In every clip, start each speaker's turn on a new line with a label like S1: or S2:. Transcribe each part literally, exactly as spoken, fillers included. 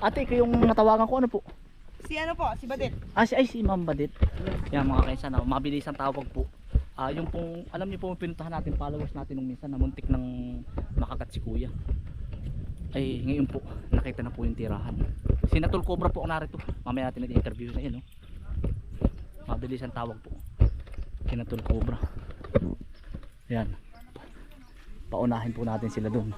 S1: Ate, ikaw yung natawagan ko, ano po?
S2: Si ano po, si Badit.
S1: Ah, si, ay, si Ma'am Badit. Yan mga kaisan, ah, mabilis ang tawag po. Ah, yung pong, alam niyo po, pinuntahan natin, followers natin nung minsan, na muntik ng makagat si Kuya. Ay, ngayon po, nakita na po yung tirahan. Si Natul Cobra po ang narito. Mamaya natin nag-interview na yun, no? Mabilis ang tawag po. Si Natul Cobra. Yan. Paunahin po natin sila doon.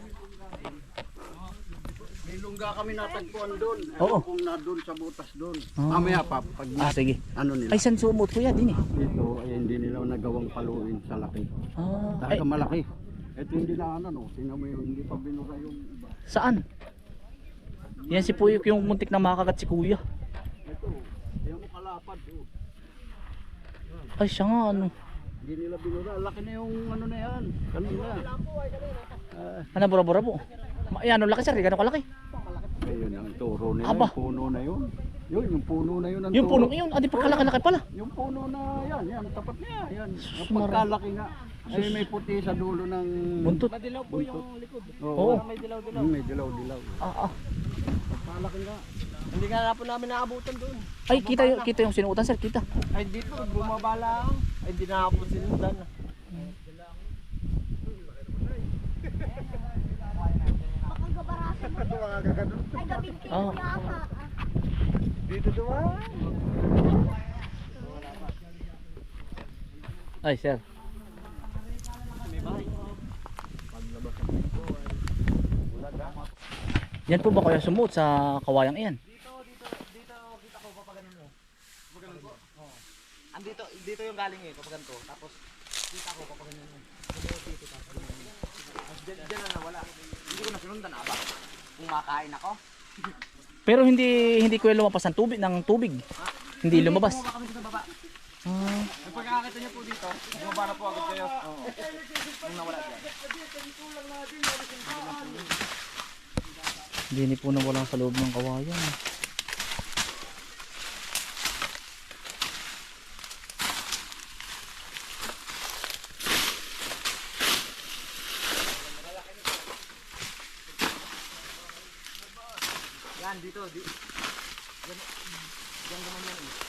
S3: May lungga kami natagpuan doon.
S1: Oo.
S3: Kung na doon sa butas doon.
S1: Ah.
S3: Mamaya pa, pag
S1: Ah, sige.
S3: ano nila.
S1: Ay, saan sumot Kuya? Din eh.
S3: Dito, ay hindi nila nagawang paluin sa laki.
S1: Ah, ay,
S3: Talaga malaki. Ito hindi na ano, no? Tingnan mo yun, hindi pa binura yung iba.
S1: saan? Yan si Puyok yung muntik na makagat si Kuya.
S3: Ito, yung kalapad. Oh.
S1: Ay, siya nga, ano.
S3: Hindi nila binura. Laki na yung ano na yan. Kanina. Ah,
S1: Ano, bura-bura po. Ma- Yan, ang laki sir, gano'n kalaki.
S3: ayun ang turo nila.
S1: Aba.
S3: Yung puno na yun. Yun, yung puno na yun. Ang
S1: Yung
S3: turo.
S1: punong iyon, adi pagkalaki-laki pala.
S3: Yung puno na yan, yan, tapat niya. Yan. Ang
S1: Mara-
S3: pagkalaki nga. Ay may puti sa dulo ng
S1: Buntot.
S2: Madilaw po yung likod.
S3: Oo.
S1: Oo.
S2: May dilaw-dilaw.
S3: Mm, may dilaw-dilaw.
S1: Ah, ah.
S3: Pagkalaki nga.
S2: Hindi nga na po namin naabutan doon.
S1: Ay, kita yung, kita yung sinuutan sir, kita.
S2: Ay dito, bumabala ako. Ay hindi na po sinundan.
S1: Oh.
S2: Dito dumaan.
S1: Ay, sir. Yan po ba kaya sumuot sa kawayang iyan?
S2: Dito, dito, dito, kita ko papaganon mo. Papaganon ko? Oo. Andito, dito yung galing eh, papaganto. Tapos, kita ko papaganon mo. Dito, dito, tapos. Tapos, dyan, dyan na nawala. Hindi ko na sinundan, aba. Kung makain ako.
S1: Pero hindi hindi ko lumabas ng tubig ng tubig. Hindi lumabas.
S2: Bumaba kami sa baba.
S1: Ah,
S2: Yung pagkakakita niyo po dito, bumaba na po agad kayo. Oo. Nung nawala dyan.
S1: hindi po nawala sa loob ng kawayan.
S2: Yan, dito. Di, yan, yan naman yan eh.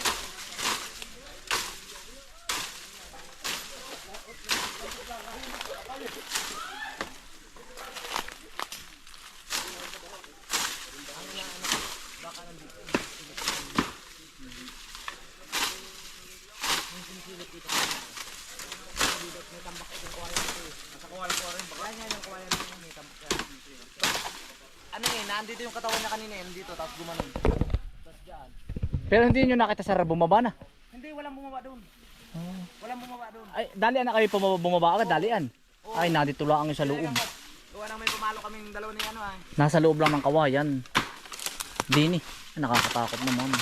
S2: Ano eh, nandito yung katawan niya kanina eh, nandito, tapos gumanon. Tapos dyan.
S1: Pero hindi niyo nakita sir bumaba na.
S2: Hindi, walang bumaba doon. Walang bumaba doon.
S1: Ay, dalian na kayo bumaba, bumaba agad, dalian. Ay, nandito lang ang sa loob.
S2: Gawa nang may pumalo kaming dalawa ni ano ah.
S1: Nasa loob lang ng kawayan. Dini, nakakatakot naman.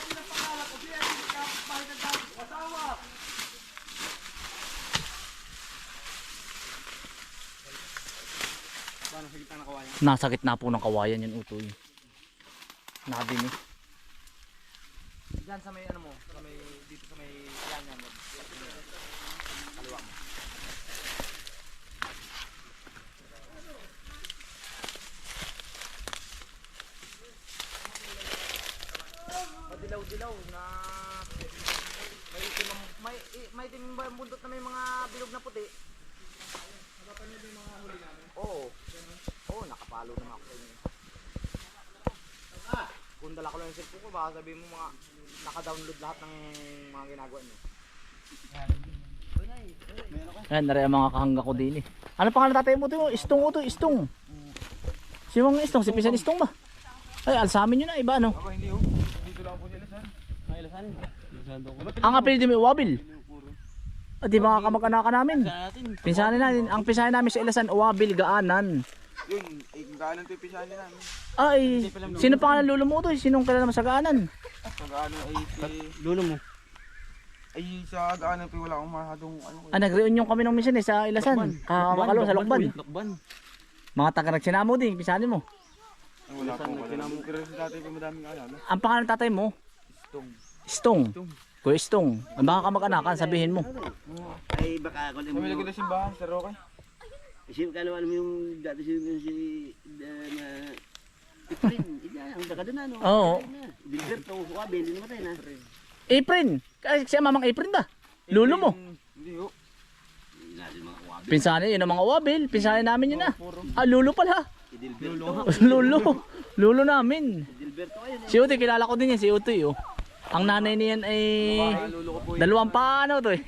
S2: Paano sa gitna ng kawayan?
S1: Nasa gitna po ng kawayan yung utoy. Nadini.
S2: Diyan sa may ano mo, sa may, dito sa may yan yan. Kaliwa mo. Dilaw-dilaw na may itim ang- may i- may itim ba yung bundot na may mga bilog na puti. Nakapanood yung mga huli namin? Oo. Oo, nakapalo naman ako sa inyo. Kung dala ko lang yung cellphone ko, baka sabihin mo mga naka-download lahat ng mga ginagawa niyo.
S1: Ayan, nari ang mga kahangga ko din eh. Ano pangalan tatay mo ito? Istong ito, istong. Si mga istong, si Pisan Istong ba? Ay, alsamin yun na, iba ano?
S2: Ako hindi oh. Dito lang po sila sir. Ay, ilasan. Ilasan daw ko.
S1: Ang apelido mo, Wabil. Ah, di ba kamag-anakan namin? Pinsanin natin, ang pinsanin namin sa Ilasan, Wabil, Gaanan.
S2: Yun, eh, kung gaanan ito yung pisahan namin.
S1: Ay, sino pangalan lulo mo ito? Sinong kilala mo sa Gaanan?
S2: Sa gaanan ay si... Lulo mo? Ay, sa gaanan po wala akong masyadong ano.
S1: Ah, nag-reunion kami nung minsan eh, sa Ilasan. Kakamakalo, sa Lokban.
S2: Lokban.
S1: Mga taga nagsinamo din, pinsanin mo.
S2: Wala po. Kinamong kira sa tatay ko madaming alala.
S1: Ang pangalan ng tatay mo?
S2: Stong.
S1: Stong. Kuya Stong. Ang baka kamag-anakan, sabihin mo.
S4: Ay baka ako
S2: Kami lagi
S4: naman.
S2: na simbahan, Sir Roque.
S4: Kasi ka naman mo yung dati si si na Efren, ina
S3: ang daga doon ano.
S1: Oo.
S3: Gilberto, wa bili namatay na.
S1: Apron. Kasi siya mamang apron ba? Lulo mo.
S2: Hindi ho.
S1: Pinsanin, yun ang mga wabil. Pinsanin namin yun ah. Ah, lulo pala.
S2: Lulu.
S1: Lulo. Lulo namin.
S3: Gilberto ayun.
S1: Si Utoy, kilala ko din yan. Si Utoy oh. Ang nanay niyan ay
S2: Lulu ko po.
S1: dalawang paano to eh.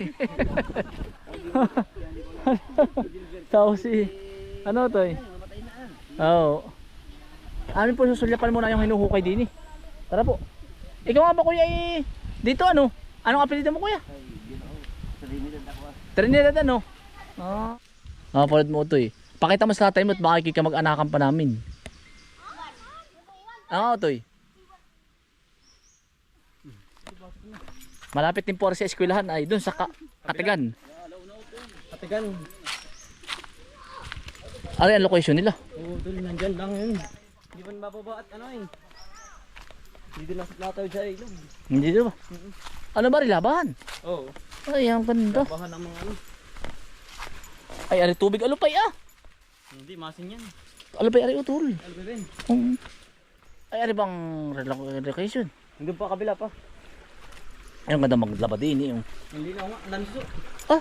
S1: Tapos si ano to eh. Oo. Amin po susulyapan muna yung hinuhukay din eh. Tara po. Ikaw nga ba kuya eh. Dito ano? Anong apelido mo kuya?
S3: Trinidad ako.
S1: Trinidad ano? Ah. Ah, palad mo to eh. Pakita mo sa tatay mo at baka ikika mag-anakan pa namin. Ah, to eh. Malapit din po sa eskwelahan ay doon sa ka Katigan.
S2: Katigan.
S1: Ano yung location nila?
S2: Oo, doon nandyan lang yun. Hindi pa mababa at ano eh. Hindi din nasa nataw dyan ilog.
S1: Hindi doon ba? Ano ba rin labahan?
S2: Oo.
S1: Ay, ang ganda.
S2: Bahan ng mga ano.
S1: Ay, ari tubig alupay ah.
S2: Hindi, masin yan.
S1: Alupay ari utol.
S2: Ano ba rin?
S1: Um, ay, ari bang relocation?
S2: Hindi pa kabila pa.
S1: Ay, ang ganda maglaba din eh. yung-
S2: Hindi na nga, nanso.
S1: Ah,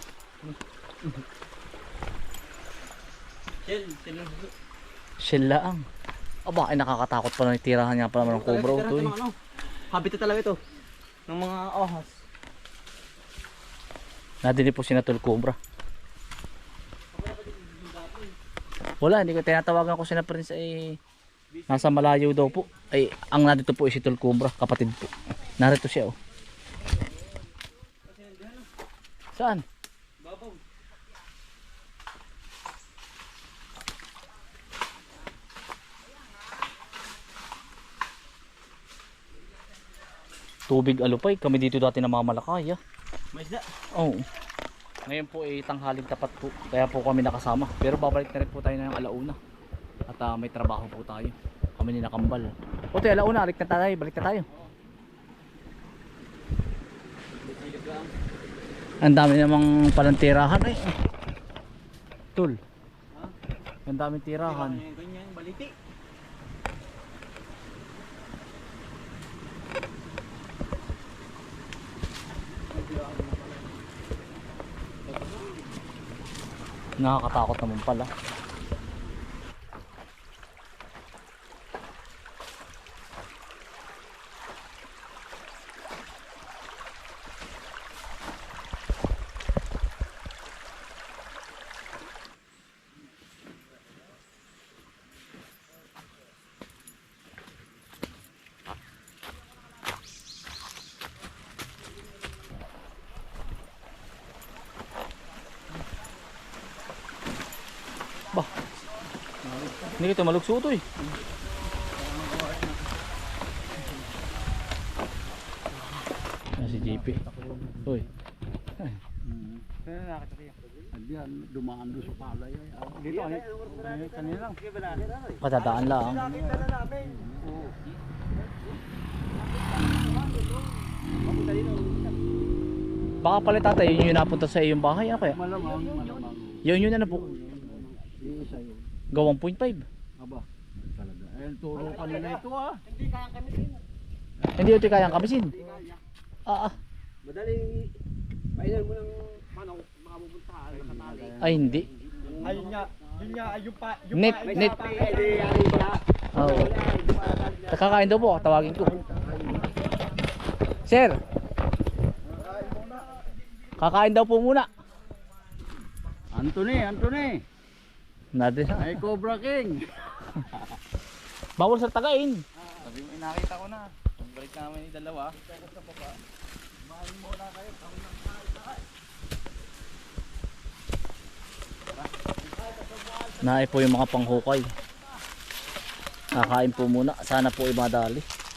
S2: Shell, shell ng suso.
S1: shell laang. Aba, ay nakakatakot pa na tirahan niya pa naman ng cobra ito eh.
S2: Ano? Habitat talaga ito. Ng mga ahas.
S1: Nadinig po si Natol Cobra. Wala, hindi ko tinatawagan ko si na Prince ay nasa malayo daw po. Ay, ang nandito po ay si Tol Cobra, kapatid po. Narito siya oh. Saan?
S2: Babaw.
S1: Tubig alupay, kami dito dati namamalakay ah.
S2: May isda.
S1: Oo. Ngayon po ay tanghaling tapat po. Kaya po kami nakasama. Pero babalik na rin po tayo ng alauna. At uh, may trabaho po tayo. Kami ni nakambal. O tayo alauna, alik na tayo. Balik na tayo. Ang dami namang palang tirahan eh. Tul. Ang daming tirahan.
S2: Ganyan, baliti.
S1: Nakakatakot naman pala. Bah. Hindi kita malugso to eh. Ah, si J P. Uy.
S2: Kaya nakakita siya.
S3: Hindi yan, dumaan doon sa palay. ay, ah.
S2: Dito, ay, kanina lang.
S1: Patadaan lang.
S2: Nakita na namin.
S1: Baka pala tatay, yun yung napunta sa iyong bahay. Ano kaya?
S3: Malamang, malamang.
S1: Yun yun ano po.
S3: Iisa yun.
S1: Gawang point five.
S3: Aba, talaga. Ayun, turo kanina ito ah.
S1: Hindi ito kayang kamisin. Ah, ah.
S2: Madali, pailan mo ng manok, makapupunta, nakatali.
S1: Ay hindi.
S2: Ayun nga, yun nga, yung pa, yung
S1: Net,
S2: pa,
S1: net.
S2: pa, edi, ayun nga.
S1: Oo. Kakakain daw po, tawagin ko. Sir. Kakain daw po muna.
S3: Anthony, Anthony.
S1: Natin.
S3: Ay, Cobra King.
S1: Bawal sa tagain.
S2: Sabi mo, nakita ko na. Balik namin yung dalawa.
S1: Naay po yung mga panghukay. Kakain po muna. Sana po ay madali.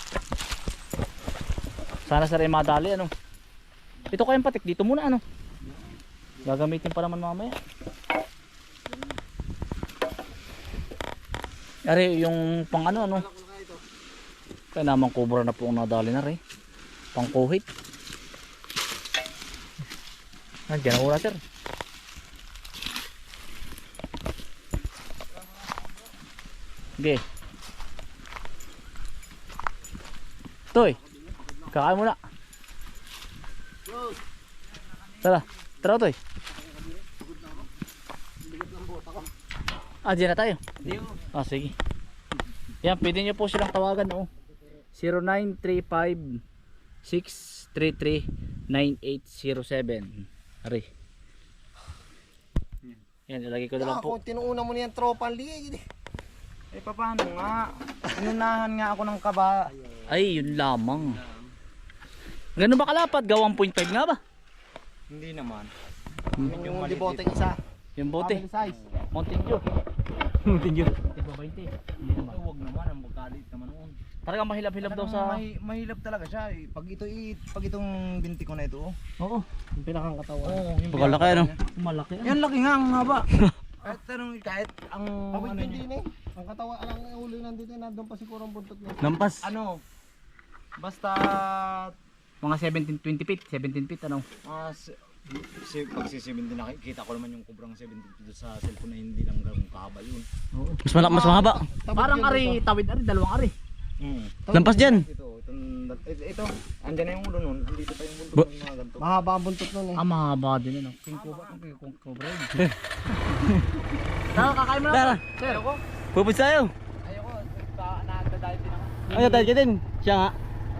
S1: Sana sa rin madali ano. Ito kayang patik dito muna ano. Gagamitin pa naman mamaya. Ari yung pang ano ano. Kaya naman kubra na po ang nadali na rin. Pang kuhit. Nandiyan na ura sir. Okay. Toy, kakain muna. Tara, tara Toy. Ah, dyan na tayo. Ah, sige. Yan, pwede nyo po silang tawagan, oh. zero nine three five six three three nine eight zero seven. Ari. Yan, ilagay ko na lang po.
S2: Kung tinuuna mo niyan tropa liig. Eh paano nga? Inunahan nga ako ng kaba.
S1: Ay, yun lamang. Ganun ba kalapad? Ga one point five nga ba?
S2: Hindi naman.
S1: Hmm.
S2: Yung diboteng isa.
S1: Yung bote.
S2: Family size.
S1: Mountain Dew. Mountain Dew. Tigba twenty. Hindi naman.
S2: Huwag naman, ang magkalit naman noon.
S1: Talagang mahilap-hilap daw sa...
S2: May, mahilap talaga siya eh. Pag ito i pag itong binti ko na ito. Oh.
S1: Oo. Yung pinakang katawan.
S2: Oo, yung
S1: Pagkalaki ano? Malaki.
S2: yan laki nga ang haba. kahit tanong kahit ang
S4: Awit
S2: ano
S4: hindi
S2: niya.
S4: ni. Ang katawa lang ang huli nandito nandun pa siguro ang buntot niya.
S1: Lampas.
S2: Ano? Basta
S1: Mga seventeen twenty feet. seventeen feet ano?
S2: ah, si, si, pag si seventeen nakikita ko naman yung kubrang seventeen doon sa cellphone na hindi lang ganun kahaba yun.
S1: Oo. Mas malak mas mahaba.
S4: Tabot
S1: Parang
S4: yun
S1: ari,
S4: dito.
S1: tawid ari, dalawang ari.
S2: Mm.
S1: Lampas dyan.
S2: Ito, itong, ito, ito, andyan na yung ulo nun, andito pa yung buntot
S1: Bu-
S2: ng mga ganito.
S4: Mahaba ang buntot nun eh.
S1: Ah, mahaba din ano. King Cobra, King King Cobra. Tara, kakain mo na. Tara. Sir. Ayoko.
S3: Pupus tayo.
S1: Ayoko. Nakakadali din ako.
S3: Ay, tayo ka din. Siya nga.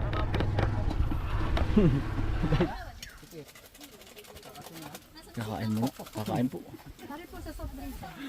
S1: Kakain mo. Kakain po.
S5: Pare po sa soft drinks. ah.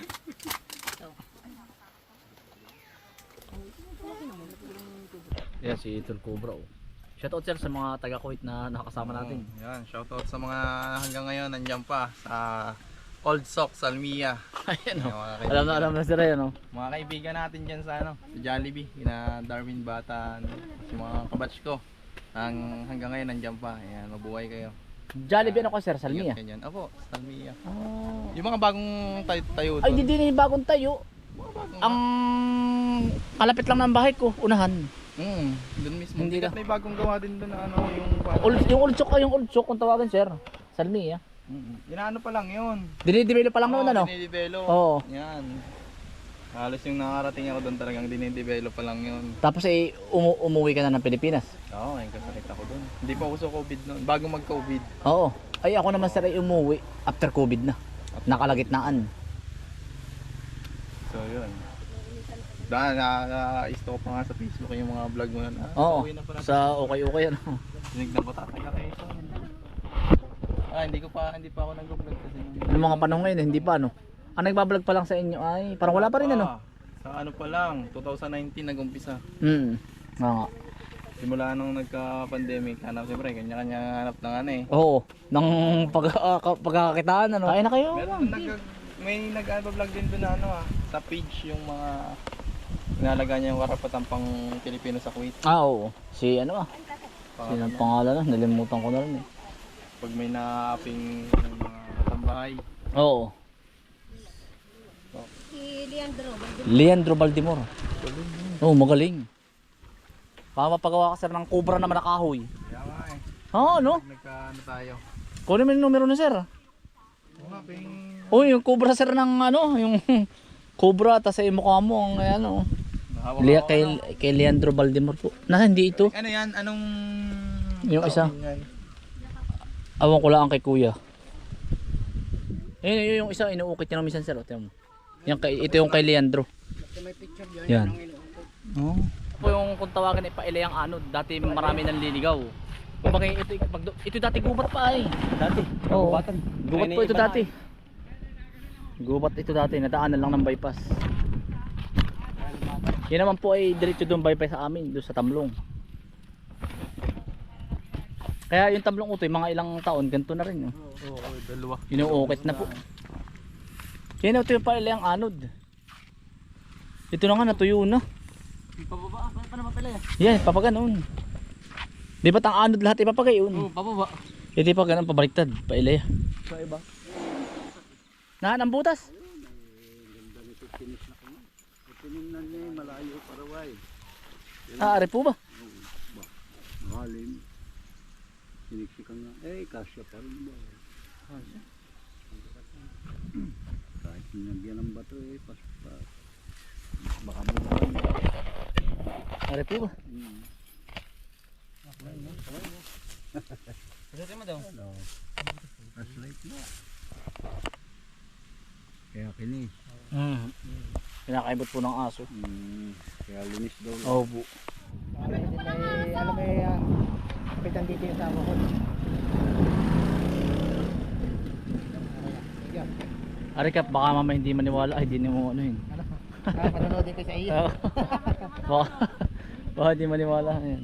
S1: Yan si Tol Cobra. Oh. Shoutout sir sa mga taga Kuwait na nakasama natin.
S6: Yan, shoutout sa mga hanggang ngayon nandiyan pa sa Old Sock, Salmia.
S1: Ayan oh.
S6: Yung mga
S1: Alam na alam na sir yan oh.
S6: Mga kaibigan natin dyan sa ano, sa Jollibee, na Darwin Batan, yung mga kabatch ko. Ang hanggang ngayon nandiyan pa. Ayan, mabuhay kayo.
S1: Jollibee ano ko sir, Salmia.
S6: Ingat ganyan. Opo, Salmia.
S1: Oh.
S6: Yung mga bagong tayo, tayo
S1: Ay,
S6: doon.
S1: di din yung bagong tayo. Ang kalapit lang ng bahay ko, unahan.
S6: Mm, doon mismo.
S1: Hindi
S6: Hindi
S1: ka-
S6: may bagong gawa din doon na ano, yung
S1: Ul yung ultsok ay yung ultsok kung tawagan sir. Salmia.
S6: Mm, inaano pa lang yun.
S1: Dinidibelo pa lang noon ano?
S6: Dinidevelop.
S1: Oo.
S6: Yan. Halos yung nakarating ako doon talagang dinidevelop pa lang yun.
S1: Tapos eh umu umuwi ka na ng Pilipinas.
S6: Oo, ayun kasakit ako doon. Hindi pa uso COVID noon. Bago mag-COVID.
S1: Oo. Ay ako naman sir ay umuwi after COVID na. Nakalagitnaan.
S6: So yun. Dahil na-isto ko pa nga sa Facebook yung mga vlog mo na. Ah,
S1: Oo.
S6: uwi na pala.
S1: Sa okay-okay ano.
S6: Tinignan ko tataga kayo sa Ah, hindi ko pa, hindi pa ako nag-vlog kasi. nung-
S1: Noong mga panahon ngayon hindi pa ano. Ang nagbablog pa lang sa inyo ay parang wala pa rin ano.
S6: Ah, sa ano pa lang, twenty nineteen nag-umpisa.
S1: Hmm. Oo.
S6: Simula nung nagka-pandemic, hanap siyempre, kanya-kanya hanap ng ano eh.
S1: Oo. Nang pag uh, pagkakakitaan ano. Kain na kayo.
S6: Meron nag may nag-vlog din doon na ano ah, sa page yung mga inalaga niya yung karapatan pang Pilipino sa Kuwait.
S1: Ah oo. Si ano ah.
S6: Pang,
S1: Sino ang pangalan na? Nalimutan ko na rin eh.
S6: pag may na-apping mga katambahay.
S1: Oo.
S5: Si Leandro.
S1: Leandro Baldimor. Oo, magaling. Pamapagawa ka sir ng Cobra naman na kahoy.
S6: Kaya nga eh,
S1: Oo, no?
S6: nagka-ano tayo.
S1: Kunin mo yung numero na sir.
S6: Oo nga, ping...
S1: Oh, yung Cobra sir ng ano, yung Cobra tas ay mukha mo ang ano.
S6: Nahawak
S1: Lea,
S6: ako,
S1: kay,
S6: ano?
S1: kay Leandro Baldimor po. Na hindi ito.
S6: Ano yan? Anong...
S1: Yung isa.
S6: taon yan?
S1: Awan ko lang kay kuya. Ayun, yun yung isa inuukit niya ng minsan sir. O, tingnan mo. Yan kay, ito yung kay Leandro.
S4: May picture dyan.
S1: Yan. Oh. Po yung kung tawagan ay pailayang anod, dati marami nang liligaw. Kumbaga ito, pag, ito dati gubat pa ay. Dati. Oo. Gubatan. Gubat po ito dati. Gubat ito dati, nadaanan lang ng bypass. Yan naman po ay diretso doon bypass sa amin, doon sa Tamlong. Kaya yung Tamlong utoy, mga ilang taon, ganito na rin. Oh.
S6: Oo, oh, dalawa.
S1: Inuukit na po. Yan ito yung pailayang anod. Ito na nga, natuyo na.
S3: Pababa. Paano pa naman pala yan?
S1: Yan, papaganon. Di ba't ang anod lahat ipapagayon?
S3: Oo, pababa.
S1: Hindi pa ganun, pabaliktad, pailaya.
S3: Sa iba.
S1: Nahan ang butas.
S3: Tinignan niya yung malayo para wide.
S1: Ah, ari po ba?
S3: Mahalim. Siniksikan nga. Eh, kasya pa rin ba?
S1: Kasya?
S3: Kahit sinagyan ng bato eh, paspas.
S1: Baka mo. Ari po ba?
S3: Hmm.
S2: Pasutin mo daw.
S3: Flashlight na. Kaya kinis.
S1: Mm. Pinakaibot po ng aso.
S3: Hmm. Kaya linis daw.
S1: Oo po.
S4: May, alam mo yung kapitan dito yung tama ko.
S1: Arikap, baka mama hindi maniwala. Ay, di mo ano yun.
S4: Ah, panonoodin ko sa iyo.
S1: Oo. baka, baka hindi maniwala. Ayan.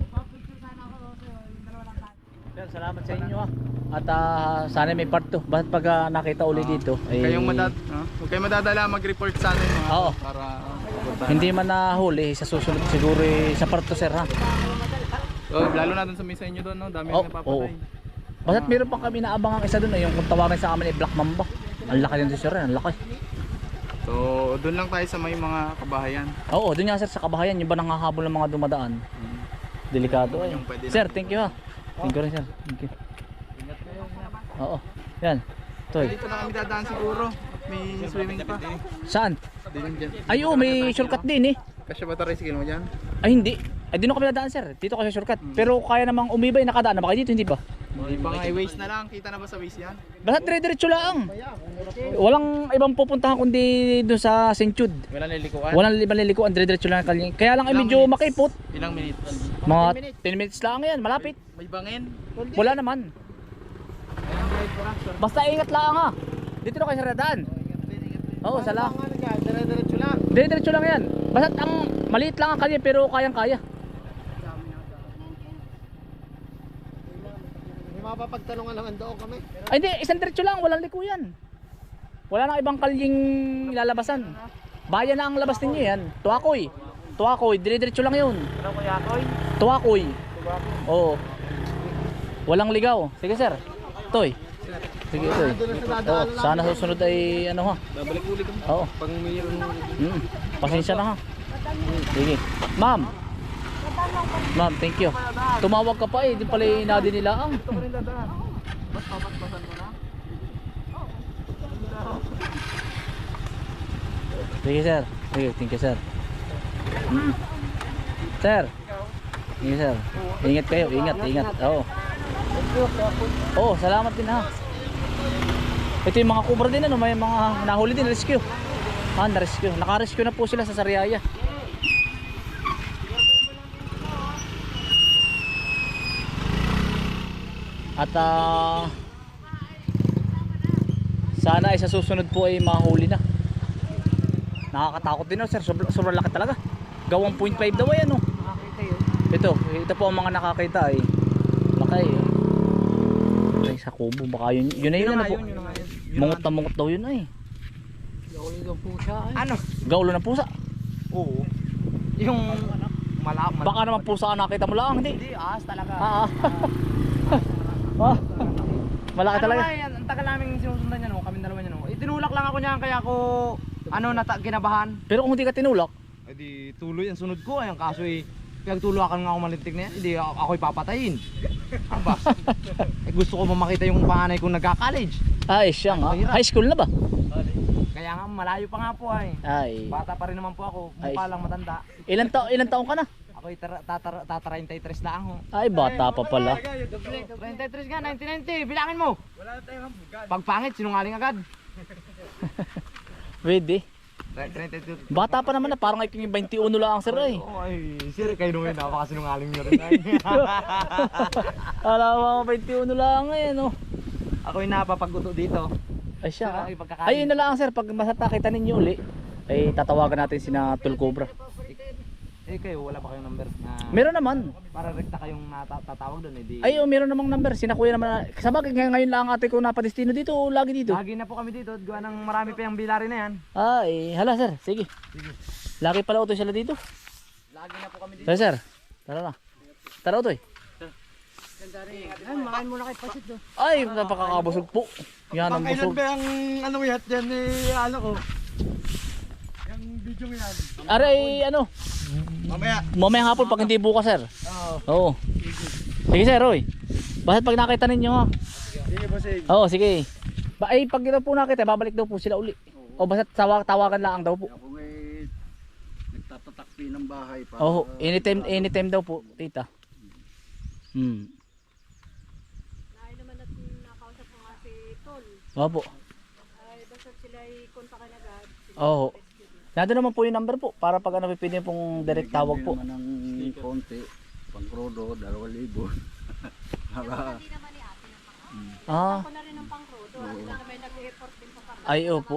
S1: Yan, salamat sa inyo ha. At ah, sana may part two. Bakit pag ah, nakita uli dito?
S6: Huwag
S1: eh,
S6: kayong madad, ah, huwag kayong madadala mag-report sa amin mga
S1: Oo.
S6: para
S1: Hindi man nahuli sa susunod siguro eh, sa part two sir ha.
S6: So, lalo na dun sa misa inyo doon, no? Dami
S1: Oh,
S6: oh, napapatay.
S1: Basta't meron pa kami naabangang isa doon eh, yung kung tawagin sa amin ay Black Mamba. Ang laki din sir, ang laki.
S6: So, doon lang tayo sa may mga kabahayan.
S1: Oo, doon nga sir sa kabahayan, yung ba nangahabol ng mga dumadaan. Delikado ay.
S6: Yung pwede
S1: Sir,
S6: natin-
S1: thank you ha. Thank you rin sir. Thank you. Oo. Yan. Toy.
S6: Dito na kami dadaan siguro. May swimming pa.
S1: Saan?
S6: Din dyan.
S1: Ay oo, may shortcut din eh.
S6: Kasi ba tricycle mo dyan?
S1: Ay hindi. Ay dito kami dadaan sir. Dito kasi shortcut. Pero kaya namang umibay, nakadaan na ba kayo dito, hindi ba?
S6: Hindi pa nga, i-waste na lang. Kita na ba sa waste yan?
S1: Basta dire-diretso lang. Walang ibang pupuntahan kundi doon sa Saint Jude.
S6: Wala nilikuan.
S1: Walang ibang lilikuan, dire-diretso lang ang kalye. Kaya lang ay medyo makipot.
S6: Ilang minutes?
S1: Mga ten minutes lang yan, malapit.
S6: May bangin.
S1: Wala naman. Basta ingat lang ha. Dito na kayo sa radaan. Oo, sala.
S4: Ang ano dyan, dire-diretso lang.
S1: Dire-diretso lang yan. Basta ang maliit lang ang kalye pero kayang-kaya.
S4: May mapapagtanungan naman doon kami.
S1: Ay hindi, isang diretso lang, walang likuyan. Wala nang ibang kalyeng lalabasan. Bayan na ang labas ninyo yan. Tuakoy. Tuakoy, dire-diretso lang yun.
S2: Ano kuya Koy?
S1: Tuakoy. Oo. Walang ligaw. Sige sir. Toy. Sige toy. Oo, sana susunod ay ano ha.
S6: Babalik ulit kami.
S1: Oo.
S6: Pag mayroon
S1: Mm. Pasensya na ha. Sige. Ma'am. Ma'am, thank you. Tumawag ka pa eh, di pala inadi nila ang. Sige sir. Sige, thank you sir. Sir. Sige sir. Ingat kayo, ingat, ingat. Oo. Oo, salamat din ha. Ito yung mga kubra din ano, may mga nahuli din, rescue. Ah, na-rescue. Naka-rescue na po sila sa Sariaya. At ah, sana ay sa susunod po ay mahuli na. Nakakatakot din oh, sir. Sobrang, sobrang laki talaga. Gawang point five daw yan oh. Ito, ito po ang mga nakakita ay laki eh. Ay sa kubo baka yun, yun na yun, ano po. Mungot na mungot daw yun ay.
S2: Ano?
S1: Gaulo ng pusa.
S2: Oo. Yung malak
S1: Baka naman pusa ang nakita mo lang, hindi.
S2: Hindi, ahas talaga.
S1: Ah, ah. Ah, malaki
S2: Ano
S1: talaga.
S2: nga yan? Ang tagal namin sinusundan niya no, kami dalawa niya no. Itinulak lang ako niyan kaya ako ano nata kinabahan.
S1: Pero kung hindi ka tinulak,
S2: Eh di tuloy ang sunod ko, ayun kaso eh pinagtulakan nga ako malintik na yan, hindi ako, ako'y papatayin. Aba. Eh gusto ko mamakita yung panganay kong nagka-college.
S1: ay siya nga. High school na ba?
S2: Kaya nga malayo pa nga po ay.
S1: Ay.
S2: Bata pa rin naman po ako, mukha
S1: Ay.
S2: lang matanda.
S1: Ilan taon ilan taon ka na?
S2: Ako'y tatarinta-tres lang ho.
S1: Ay, bata pa pala.
S2: thirty-three nga, nineteen ninety, bilangin mo. Pag pangit, sinungaling agad.
S1: Pwede.
S2: thirty-two.
S1: Bata pa naman na, parang iking twenty-one lang ang sir ay.
S2: Oh, ay, sir, kayo nung yun, napakasinungaling nyo rin. Ay.
S1: Alam mo, twenty-one lang ngayon oh.
S2: Ako'y napapaguto dito.
S1: Ay siya.
S2: Ay, pagkakain.
S1: Ay, yun na lang sir, pag masata kita ninyo uli, ay tatawagan natin sina Tul Cobra.
S2: Eh kayo, wala pa kayong number na
S1: Meron naman.
S2: para rekta kayong natatawag doon eh di.
S1: Ay, oh, meron namang number. Sina kuya naman. Sabagay ngayon lang ate ko napadestino dito o lagi dito.
S2: Lagi na po kami dito, gawa ng marami pa yung bilari na yan.
S1: Ay, hala sir, sige. Lagi pala utoy sila dito.
S2: Lagi na po kami dito.
S1: Sir, sir. Tara na. Tara utoy.
S4: Ay, makain muna kay Pasit doon.
S1: Ay, napakakabusog po. Yan ang busog.
S2: ang ano yat dyan eh, ano ko? Yung video mo yan.
S1: Aray, ano?
S6: Mamaya.
S1: Mamayang hapon pag hindi bukas sir.
S2: Oo.
S1: Oo. Sige sir, oy. Basta pag nakita ninyo ha.
S2: Sige po sige.
S1: Oo, sige. Ba ay pag ito po nakita, babalik daw po sila uli. O basta tawag tawagan lang daw po.
S3: Ako may nagtatatakpi ng bahay pa.
S1: Oo, anytime anytime daw po, tita. Hmm.
S5: Naay naman at nakausap ko nga si Tol.
S1: Opo.
S5: Ay, basta sila ay kontakin agad.
S1: Oo. Nandun naman po yung number po para pag ano pwede pong direct tawag po.
S3: Naman ng konti. Pang krodo, dalawa libo. Para
S5: Hindi naman ni ate yung pang
S1: Ah,
S5: Ako na rin ang pang-rodo. At sila may nag-effort din pa kami.
S1: ay opo.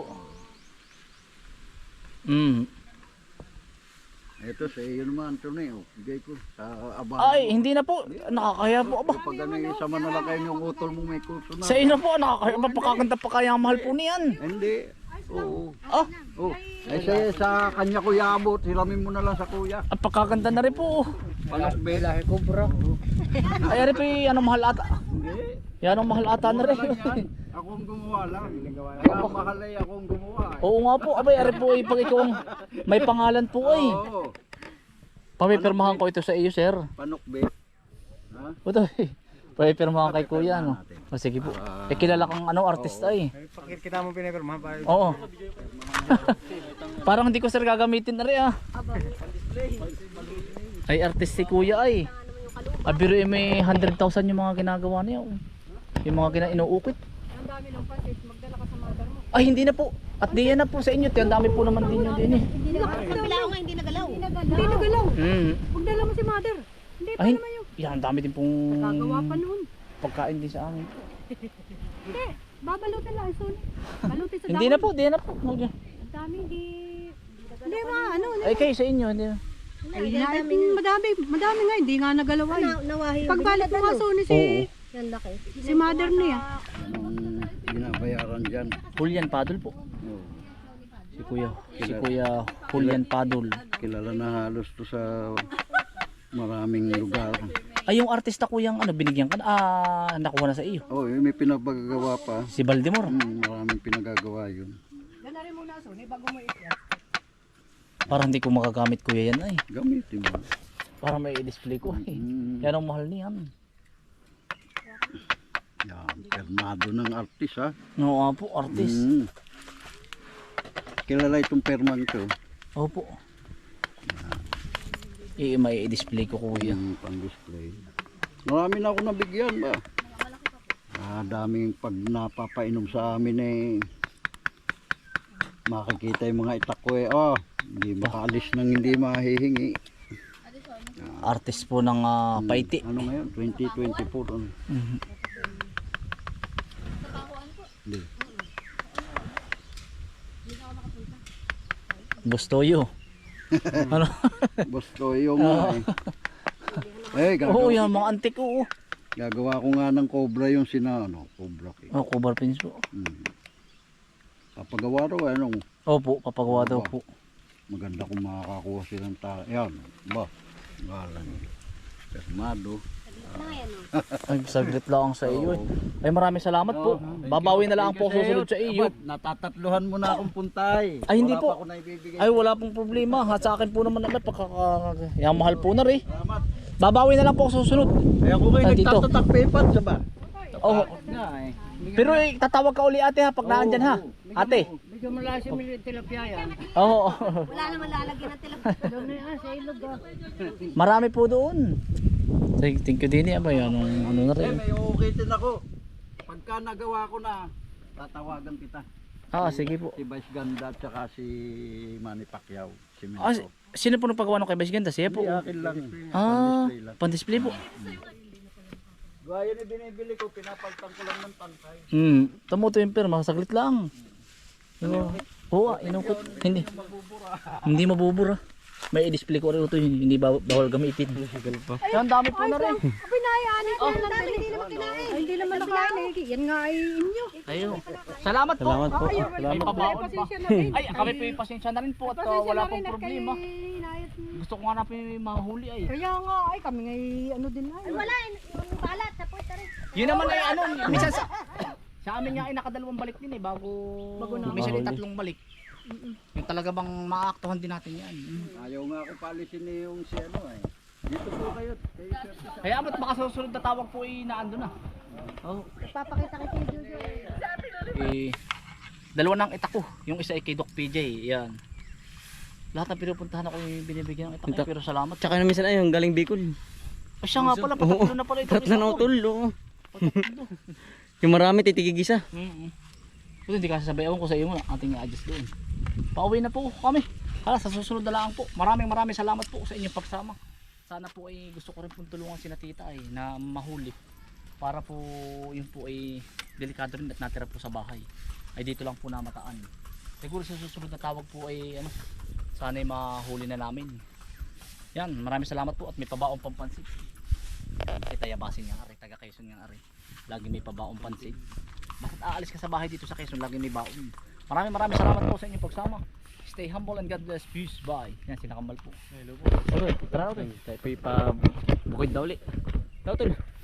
S1: Mm.
S3: ito sa iyo naman ito na yun. Bigay ko sa abang.
S1: Ay, hindi na po. Nakakaya po aba.
S3: Pag ano yung sama na lang kayo yung utol mong may kurso na.
S1: Sa iyo na po, nakakaya. Mapakaganda pa kaya ang mahal po niyan.
S3: Hindi. Oo.
S1: Ah,
S3: Oh. Eh sa, sa kanya ko yabot, hiramin mo na lang sa kuya.
S1: ang pagkaganda na rin po.
S3: Palakbe.
S4: Lahi ko bro.
S1: Ay, ari po yung ano, mahal ata.
S3: Hindi.
S1: Yan ang mahal ata na rin.
S3: Wala yan. Ako ang gumawa lang. Kaya mahal ay ako ang gumawa. eh.
S1: Oo nga po. Abay, ari po ay pag ikaw ang may pangalan po ay.
S3: Oo.
S1: Pamipirmahan ko ito sa iyo, sir.
S3: Panukbe. Ha?
S1: Ito eh. Pamipirmahan kay kuya, no? O sige po. Eh, kilala kang ano, artista eh.
S4: Kita mo pinipirmahan pa.
S1: Oo. Parang hindi ko sir gagamitin na rin ah. Ay, artist si kuya ay. Abiro eh, may one hundred thousand yung mga ginagawa niya. oh. Yung mga gina inuukit.
S5: Ang dami ng pasit. Magdala ka sa mother mo.
S1: Ay, hindi na po. At di yan na po sa inyo. Ang dami po naman din yun din eh.
S5: Hindi na Kabila ko nga hindi nagalaw. Hindi nagalaw. Hindi nagalaw.
S1: Mm.
S5: Magdala mo si mother. Hindi pa
S1: Ay,
S5: naman yung
S1: yan, ang dami din pong
S5: gagawa pa noon.
S1: pagkain din sa amin.
S5: Hindi. Babalutin lang soon. Balutin sa
S1: Hindi na po, di na po.
S5: Ang dami hindi. Hindi ma ano.
S1: Ay, kayo sa inyo. Hindi na.
S5: Ay, madami, madami nga hindi nga nagalaw ay. Pagbalit mo nga Sony si
S1: Oo.
S5: si mother niya.
S3: Anong binabayaran dyan?
S1: Julian Padul po.
S3: Oo.
S1: Si kuya. Si kuya Julian Padul.
S3: Kilala na halos to sa maraming lugar.
S1: Ay, yung artista ko yung ano, binigyan ka na, ah, nakuha na sa iyo.
S3: Oh, may pinapagagawa pa.
S1: Si Baldemor.
S3: Hmm, maraming pinagagawa yun.
S5: Gana rin muna Sony bago mo i-share.
S1: Parang hindi ko makagamit kuya yan ay.
S3: Gamitin mo.
S1: Parang may i-display ko eh.
S3: Hmm.
S1: Yan ang mahal niyan.
S3: Yan, permado ng artist ha.
S1: No, nga po, artist.
S3: Hmm. Kilala itong permang to.
S1: Opo. Eh, may i-display ko kuya.
S3: Yung pang-display. Marami na ako nabigyan ba? Ah, daming pag napapainom sa amin eh. Makikita yung mga itak ko eh. Oh, hindi makaalis nang hindi mahihingi.
S1: Artist po ng ah, Paiti.
S3: Ano ngayon? twenty twenty-four. Ano?
S1: Mhm.
S3: Hindi.
S1: Bustoyo. Ano?
S3: Gusto yung nga eh. Eh,
S1: Oo,
S3: gagawa,
S1: yan mga antik oo.
S3: gagawa ko nga ng cobra yung sina, ano, cobra cake.
S1: Oh, cover pins po.
S3: Hmm. Papagawa raw, ano,
S1: Opo, papagawa daw po.
S3: maganda kung makakakuha silang ta. Yan, ba? Ngalan. Permado.
S1: Ay, saglit lang sa iyo eh. Ay, maraming salamat po. Babawi na lang po ako susunod sa iyo.
S3: Natatatluhan mo na akong puntay.
S1: Ay, hindi
S3: Wala
S1: po.
S3: pa ako naibibigay.
S1: Ay, wala pong problema. At sa akin po naman naman, pagkaka... Yan, mahal po na rin.
S3: Salamat.
S1: Babawi na lang po ako susunod.
S3: Kaya ko kayo
S1: Ah, dito.
S3: nagtatatak paper, ba?
S1: Oo.
S3: Nga eh.
S1: Pero eh, tatawag ka uli ate ha, pag naandyan ha. Ate.
S4: Medyo malakas yung tilapia yan.
S1: Oo.
S5: Wala naman lalagyan ng tilapia.
S4: Doon na yan sa ilog ah.
S1: Marami po doon. Thank, thank you din eh. Abay, anong, ano na
S3: Eh,
S1: rin.
S3: may uukitin ako. Pagka nagawa ko na, tatawagan kita.
S1: Ah, sige po.
S3: Si Vice Ganda at saka si Manny Pacquiao. Si
S1: Ah,
S3: Minto.
S1: sino po nagpagawa ng kay Vice Ganda? Siya po.
S3: Hindi, akin lang.
S1: Ah,
S3: Pan-display lang.
S1: pan-display po.
S3: Gaya ni binibili ko, pinapaltan ko lang ng tangkay.
S1: Hmm, tamo to yung pirma, saglit lang. Oo, oo, ah, inukot. Hindi. Hindi mabubura. May i-display ko rin ito, hindi ba- bawal gamitin. Ay, ang dami po na rin.
S5: Abay naianin ko lang dali. Hindi naman kinain. Ay, hindi naman nakain eh. Yan nga ay inyo.
S1: Ayun. Salamat po.
S4: Salamat po.
S5: Ay,
S1: May pabaon pa.
S5: pasensya na rin.
S1: Ay, kami po yung pasensya na rin po at uh,
S5: Pasensya
S1: wala
S5: na
S1: pong
S5: rin at
S1: problema.
S5: kayo inayat.
S1: Gusto ko nga na po yung mahuli ay.
S5: Kaya nga ay kami ngay ano din ay. Wala yung balat sa puwet rin.
S1: Yun naman ay ano, minsan sa sa amin nga ay nakadalawang balik din eh bago
S5: Bago na.
S1: minsan ay tatlong balik. Yung talaga bang maaktuhan din natin yan.
S3: Ayaw nga ako palisin ni yung si ano eh. Dito po kayo. Kayo sir, sir.
S1: Kaya ama't baka susunod na tawag po ay naando na. Oh.
S5: Papakita kay Tio Jojo.
S1: Eh, dalawa ng itak ko. Yung isa ay kay Doc P J. Yan. Lahat ng pinupuntahan ako yung binibigyan ng itak. Eh, pero salamat.
S4: Tsaka na minsan ayun, galing Bicol.
S1: Ay, siya nga pala, patatlo na pala ito.
S7: Tatlo na utol, oo. Yung marami titigig isa.
S1: Mm-mm. Ito hindi kasi sabay, ewan ko sa iyo muna, ating i-adjust doon. Pauwi na po kami. Hala, sa susunod na lang po. Maraming maraming salamat po sa inyong pagsama. Sana po ay gusto ko rin pong tulungan si Tita ay na mahuli. Para po yun po ay delikado rin at natira po sa bahay. Ay dito lang po namataan. Siguro sa susunod na tawag po ay ano, sana ay mahuli na namin. Yan, maraming salamat po at may pabaong pampansit. Ay tayabasin niya ari, taga Quezon niya ari. Lagi may pabaong pansit. Bakit aalis ka sa bahay dito sa Quezon, lagi may baon. Maraming maraming salamat po sa inyong pagsama. Stay humble and God bless. Peace. Bye. Yan, sila Kamal po. Hello po. Okay, tara ulit.
S7: Tayo po ipa bukid daw ulit.
S1: Tara ulit.